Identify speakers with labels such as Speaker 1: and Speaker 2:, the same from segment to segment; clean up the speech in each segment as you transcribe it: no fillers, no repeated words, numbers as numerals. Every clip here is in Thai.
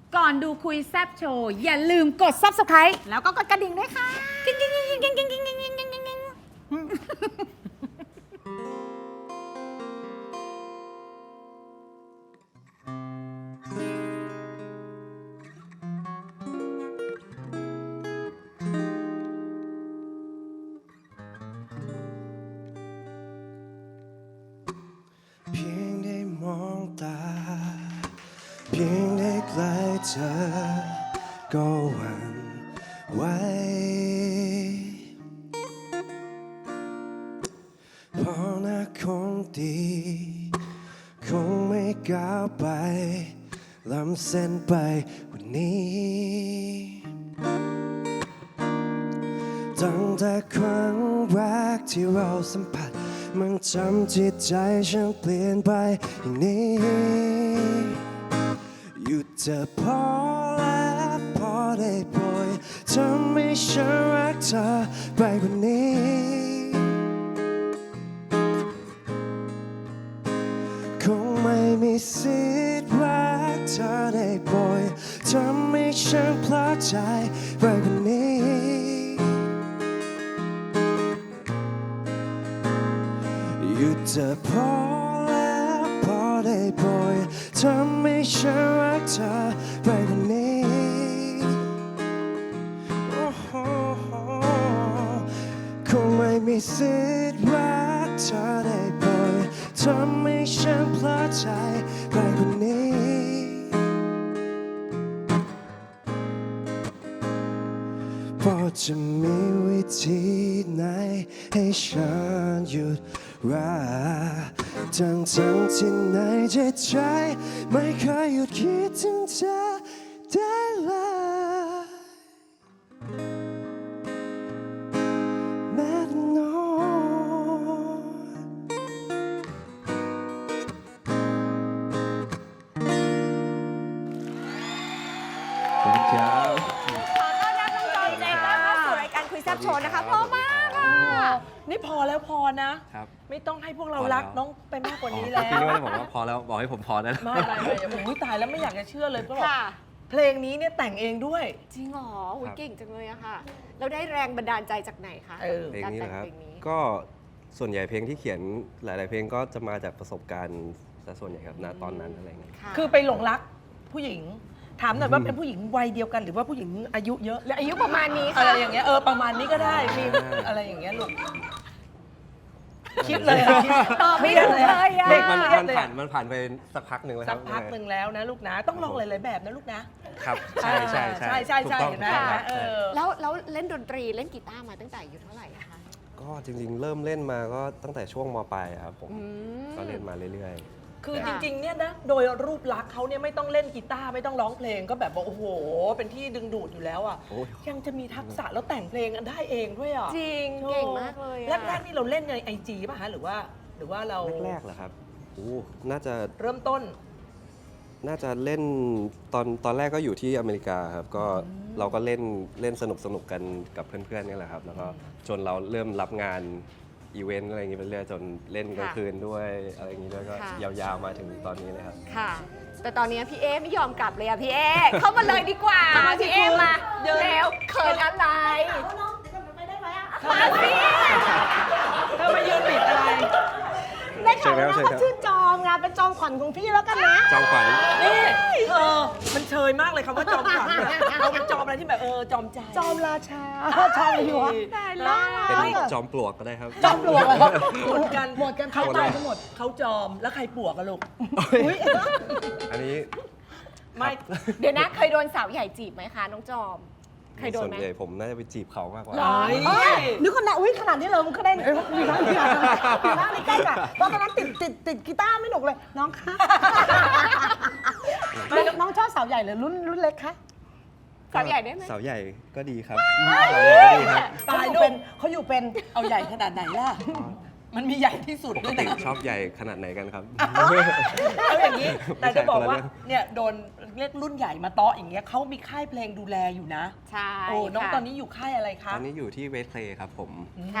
Speaker 1: ก่อนดูคุยแซบโชว์อย่าลืมกด Subscribe
Speaker 2: แล้วก็กดกระดิ่งด้วยค่ะ
Speaker 1: กิ๊งกิ๊งกิ๊งกิ๊งกิ๊งกิ๊งกิ๊งกิ๊งกิ๊งกิ๊ง
Speaker 3: เพียงได้มองตาเพียงได้ใกล้เธอก็หวั่นไหวเพราะน่าคงดีคงไม่ก้าวไปล้ำเส้นไปกว่านี้ตั้งแต่ครั้งแรกที่เราสัมผัสมันทำจิตใจฉันเปลี่ยนไปอย่างนี้หยุดเธอพอแล้วพอได้โปรดทำให้ฉันรักเธอไปกว่านี้คงไม่มีสิทธิ์รักเธอได้โปรดทำให้ฉันพลาดใจไปกว่านี้หยุดเธอพอแล้วพอได้โปรดทำให้ฉันรักเธอไปกว่านี้โอ้โหคงไม่มีสิทธิ์รักเธอได้โปรดทำให้ฉันพลาดใจไปกว่านี้พอจะมีวิธีไหนให้ฉันหยุดรักทั้งที่ในจิตใจไม่เคยหยุดคิดถึงเธอได้เลยแม้แต่น้อยขอบคุณครับ
Speaker 2: ขอต้อนรับน้องจอยใจต้อนเข้าสู่รายการคุยแซ่บโชว์นะคะเพราะมากอ่ะ
Speaker 4: นี่พอแล้วพอนะ
Speaker 5: ครับ
Speaker 4: ไม่ต้องให้พวกเรา
Speaker 5: พอแล้ว
Speaker 4: รักน้องไปมากกว่านี้แล้ว
Speaker 5: พี่นี่ไม่ได้บอกว่าพอแล้วบอกให้ผมพอแล้ว
Speaker 4: ไม่ผมตายแล้วไม่อยากจะเชื่อเลยก็บอก
Speaker 2: ค่ะ
Speaker 4: เพลงนี้เนี่ยแต่งเองด้วย
Speaker 2: จริงเหรออุ๊ย
Speaker 5: ครับ
Speaker 2: เก่งจังเลยอะค่ะ เราได้แรงบันดาลใจจากไหนคะ
Speaker 4: เออ
Speaker 5: เพลงนี้นะครับ
Speaker 2: การแต่งเพลงนี้
Speaker 5: ก็ส่วนใหญ่เพลงที่เขียนหลาย ๆ เพลงก็จะมาจากประสบการณ์ซะส่วนใหญ่ครับณตอนนั้นอะไรอย่างเงี้ย
Speaker 4: คือไปหลงรักผู้หญิง ถามหน่อยว่าเป็นผู้หญิงวัยเดียวกันหรือว่าผู้หญิงอายุเยอะ
Speaker 2: และอายุประมาณนี้
Speaker 4: อะไร
Speaker 2: ค่ะ
Speaker 4: อย่างเงี้ยประมาณนี้ก็ได้มีอะไรอย่างเงี้ยลูกคิดเลยอะคิด
Speaker 2: ตอบไม่ถูกเลยอะ
Speaker 4: เด็ก
Speaker 5: มัน
Speaker 4: เครียดเลย
Speaker 5: ผ่านไปสักพักหนึ่งแล้วค
Speaker 4: สั
Speaker 5: รั
Speaker 4: ก
Speaker 5: บ
Speaker 4: พักหนึ่งแล้วนะลูกนะ ต้องลองหลายๆแบบนะลูกนะครับ
Speaker 5: ใช่ใช่
Speaker 4: ใช่ใช่
Speaker 5: ถูก
Speaker 4: ใช่
Speaker 5: ต้อง
Speaker 4: เห็นไหม
Speaker 5: ถูกต้อง
Speaker 4: เออ
Speaker 2: แล้วเล่นดนตรีเล่นกีตาร์มาตั้งแต่อายุเท่าไหร่อะคะ
Speaker 5: ก็จริง ๆ เริ่มเล่นมาก็ตั้งแต่ช่วงมปลายครับผม
Speaker 2: ม
Speaker 5: ก็เล่นมาเรื่อย
Speaker 4: คือจ
Speaker 2: ค่ะ
Speaker 4: ริงๆ เนี่ยนะ โดยรูปลักษณ์เขาเนี่ยไม่ต้องเล่นกีตาร์ไม่ต้องร้องเพลงก็แบบว่าโอ้โห เป็นที่ดึงดูดอยู่แล้วอ่ะ
Speaker 5: โอ้ย
Speaker 4: ยังจะมีทักษะแล้วแต่งเพลงกันได้เองด้วยอ่ะ
Speaker 2: จริงเก่งมากเลยอะ
Speaker 4: แรกๆนี่เราเล่นในไอจีป่ะฮะหรือว่าเรา
Speaker 5: ๆ แรกๆเหรอครับโอ้น่าจะ
Speaker 4: เริ่มต้น
Speaker 5: เล่นตอนแรกก็อยู่ที่อเมริกาครับก็เราก็เล่นสนุกกันกับเพื่อนๆนี่แหละครับ แล้วก็จนเราเริ่มรับงานอีเวนต์อะไรอย่างงี้ไปเรื่อยจนเล่นกลางคืนด้วยอะไรอย่างงี้ด้วยก็
Speaker 2: ค่ะ
Speaker 5: ยาวๆมาถึงตอนนี้เลยครับ
Speaker 2: ค่ะ แต่ตอนนี้พี่เอไม่ยอมกลับเลยอะพี่เอ เข้ามาเลยดีกว่า
Speaker 4: มาสิ
Speaker 2: พี่เอ
Speaker 4: คุณ
Speaker 2: มา
Speaker 4: เดิน
Speaker 2: เร็วเขินอะไรมาสิ
Speaker 4: เธอมายืนปิดอะไร
Speaker 6: ได้ข่าวว่า
Speaker 5: เชิญครับ
Speaker 6: เขาชื่อจอมไงเป็นจอมขวัญของพี่แล้วกันนะ
Speaker 5: จอมขวัญ
Speaker 4: นี่มันเชยมากเลยคำว่าจอมขวัญเนี่ยเราเป็นจอมอะไรที่แบบจอมใจ
Speaker 6: จอมราชาจอมอยู่วะ
Speaker 2: ตายแล้ว
Speaker 5: เป็นจอมปลวกก็ได้ครับ
Speaker 6: จอมปลวกเหรอ
Speaker 4: หมดกัน
Speaker 6: หมดกันเขาตายกันหมด
Speaker 4: เขาจอมแล้วใครปลวกอะลูก
Speaker 5: อันนี้
Speaker 4: ไม่
Speaker 2: เดี๋ยวนะเคยโดนสาวใหญ่จีบไหมคะน้องจอม เคยโดน
Speaker 5: ส่วน
Speaker 2: ไหม
Speaker 5: ใหญ่ผมน่าจะไปจีบเขามากกว่า
Speaker 4: หรอ
Speaker 6: เอ้ยนึกคนน่ะอุ้ยขนาดนี้เลยมันก็ได้มีร้านที่มีร้านใกล้ๆกันเพราะตอนนั้นติดกีตาร์ไม่หนุกเลย น้องคะน้องชอบสาวใหญ่หรือรุ่นเล็กคะ
Speaker 2: สาวใหญ่ได้ไหม
Speaker 5: สาวใหญ่ก็ดีครับสาวใหญ่ก็ดีครับ
Speaker 4: ตาย
Speaker 6: เขา
Speaker 4: ลูก
Speaker 6: อยู่เป็น
Speaker 4: เอาใหญ่ขนาดไหนล่ะ มันมีใหญ่ที่สุด
Speaker 5: ป
Speaker 4: ด้
Speaker 5: ก
Speaker 4: วย
Speaker 5: ติ
Speaker 4: นะ
Speaker 5: ชอบใหญ่ขนาดไหนกันครับ
Speaker 4: เอาอย่างนี้ แต่จะบอกว่า
Speaker 5: ไม่ใช่คนละเรื่อง
Speaker 4: เนี่ยโดนเรียกรุ่นใหญ่มาเตาะอย่างเงี้ยเขามีค่ายเพลงดูแลอยู่นะ
Speaker 2: ใช่
Speaker 4: โอ้น้อง
Speaker 2: ค่ะ
Speaker 4: ตอนนี้อยู่ค่ายอะไรคะ
Speaker 5: ตอนนี้อยู่ที่เวทเพลย์ครับผม
Speaker 4: อืม
Speaker 2: ค่ะ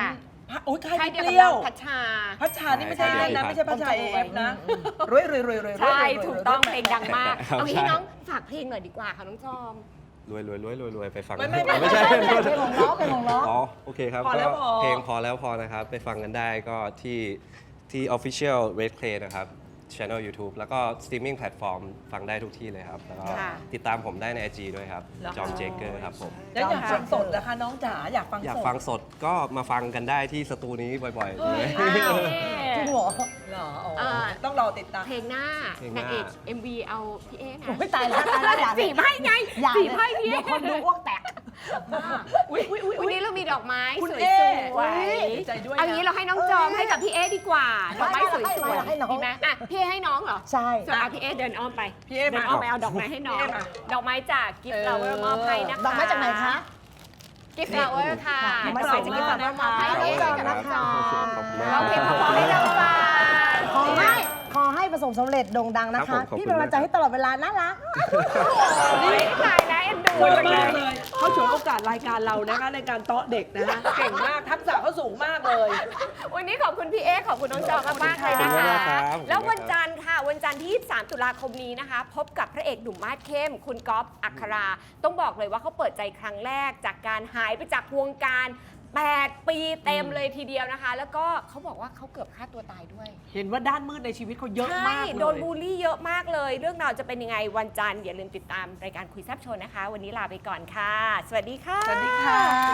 Speaker 4: โอ้ยใคร
Speaker 2: ใช่
Speaker 4: พี่
Speaker 2: เดียว
Speaker 4: เปรี้ยว
Speaker 2: กับพัชชา
Speaker 4: พัชชานี่ไม่ใช่เล่นนะ ไม่ใช่พัชชา AF นะรวยๆๆๆ
Speaker 2: ใช่ถูกต้องเพลงดังมาก
Speaker 5: ครับ
Speaker 2: เอางี้
Speaker 5: ใช่
Speaker 2: น้องฝากเพลงหน่อยดีกว่าค่ะน้องจอม
Speaker 5: รวยไปฟัง
Speaker 4: ไม่
Speaker 5: ไม่ใช่
Speaker 6: เพลงของน้องเพลงของน้อง
Speaker 5: อ๋อโอเคครับ
Speaker 4: พอแล้ว
Speaker 5: ก็
Speaker 4: พอ
Speaker 5: เพลงพอแล้วพอนะครับ ไปฟังกันได้ก็ที่ Official Red Clay นะครับ Channel YouTube แล้วก็ Streaming Platform ฟังได้ทุกที่เลยครับ แล้วก็
Speaker 2: ค่ะ
Speaker 5: ติดตามผมได้ใน IG ด้วยครับ จอมเจเกอร์ครับผม
Speaker 4: แล้วอยากฟังสดนะคะน้องจ๋าอยากฟัง
Speaker 5: อยาก
Speaker 4: สด
Speaker 5: ฟังสดก็มาฟังกันได้ที่สตูนี้บ่อยๆเลย
Speaker 6: จริงเหรอ
Speaker 4: เหรออ๋อต้องรอติดตาม
Speaker 2: เพลงหน้า
Speaker 5: เพลงหน้า
Speaker 2: นางเอก MV เอาพี่เอ๊นะ
Speaker 6: ไม่ตายแล้วอย่าเลย
Speaker 2: สีไพ่ไง
Speaker 6: อย่า
Speaker 2: สี
Speaker 6: เลย
Speaker 2: ไพ่พี่
Speaker 6: เดี๋
Speaker 2: เอ๊
Speaker 6: ยวคนดูอ้วกแตก
Speaker 4: อุ๊ยอุ๊ยอุ๊ย
Speaker 2: วัน
Speaker 4: อุ๊ย
Speaker 2: นี้เรามีดอกไม้
Speaker 4: คุณ
Speaker 2: ส
Speaker 4: เอ๊
Speaker 2: วย
Speaker 4: ดีใจด้วยนะ
Speaker 2: เอางี้เราให้น้องจอมให้กับพี่เอ๊ดีกว่า ดอกไม้สวย
Speaker 6: ให้น้อง
Speaker 2: ๆดีไหมอ่ะพี่เอ๊ให้น้องเหรอ
Speaker 6: ใช่
Speaker 2: ส่วนเอาพี่เอ๊เดินอ้อมไป
Speaker 4: พี่เอ๊
Speaker 2: เดิ
Speaker 4: มาน
Speaker 2: อ้อมไปเอาดอกไม้ให้น้อง
Speaker 4: พี่เอ๊มา
Speaker 2: ดอกไม้จากกิฟต์เราเวอร์มอบให้นะคะ
Speaker 6: ดอกไม้จากไหนคะ
Speaker 2: กิฟต์เราเวอร์ค่ะ
Speaker 6: ดอกไม้
Speaker 2: ดอกไม้จากกิฟต์เราเวอร์มอบให้
Speaker 6: ขอบคุณ
Speaker 2: เอ๊
Speaker 6: มาก
Speaker 2: กับน้องจอม
Speaker 5: ขอบคุณมาก
Speaker 2: ร้องเพลงเพราะๆให้เราฟัง
Speaker 6: ขอให้ประสบสำเร็จโด่งดังนะ
Speaker 5: ครั
Speaker 6: คะ
Speaker 5: บผมขอบคุณ
Speaker 6: พี่เป็นกำลังใจให้ตลอดเวลาน่ารัก
Speaker 2: นี่ตายแล้วเอ็นดู
Speaker 4: สวย
Speaker 2: จังเล
Speaker 4: มาก
Speaker 2: ย
Speaker 4: เลยเขาฉวยโอกาสรายการเรานะคะในการเตาะเด็กนะคะเก่งมากทักษะเขาสูงมากเลย
Speaker 2: วันนี้ขอบคุณพี่เอ๊ขอบคุณน้องจอมมากๆเลยนะ
Speaker 5: ขอบคุณ
Speaker 2: คะ
Speaker 5: มากครับ
Speaker 2: แล้ววันจันทร์ค่ะ วันจันทร์ที่ 23 ตุลาคมนี้นะคะ พบกับพระเอกหนุ่มมาสเข้ม คุณก๊อฟอัครา ต้องบอกเลยว่าเขาเปิดใจครั้งแรกจากการหายไปจากวงการ 8 ปีเต็มเลยทีเดียวนะคะ แล้วก็เขาบอกว่าเขาเกือบฆ่าตัวตายด้วย
Speaker 4: เห็นว่าด้านมืดในชีวิตเขาเยอะมาก
Speaker 2: ใช่
Speaker 4: เลย
Speaker 2: โดนบูลลี่เยอะมากเลย เรื่องราวจะเป็นยังไงวันจันทร์อย่าลืมติดตามรายการคุยแซบโชว์นะคะ วันนี้ลาไปก่อนค่ะ สวัสดีค่ะ
Speaker 4: สวัสดีค่ะ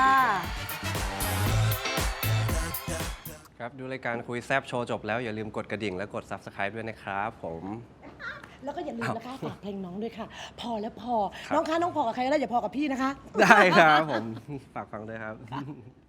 Speaker 5: ครับ ดูรายการคุยแซบโชว์จบแล้วอย่าลืมกดกระดิ่งและกด Subscribe ด้วยนะครับผม
Speaker 6: แล้วก็อย่าลืมนะคะฝากเพลงน้องด้วยค่ะ พอแล้วพอ
Speaker 5: ครับ
Speaker 6: น้องคะน้องพอกับใครก็ได้อย่าพอกับพี่นะคะ
Speaker 5: ได้ครับผม ฝากฟังด้วยครับ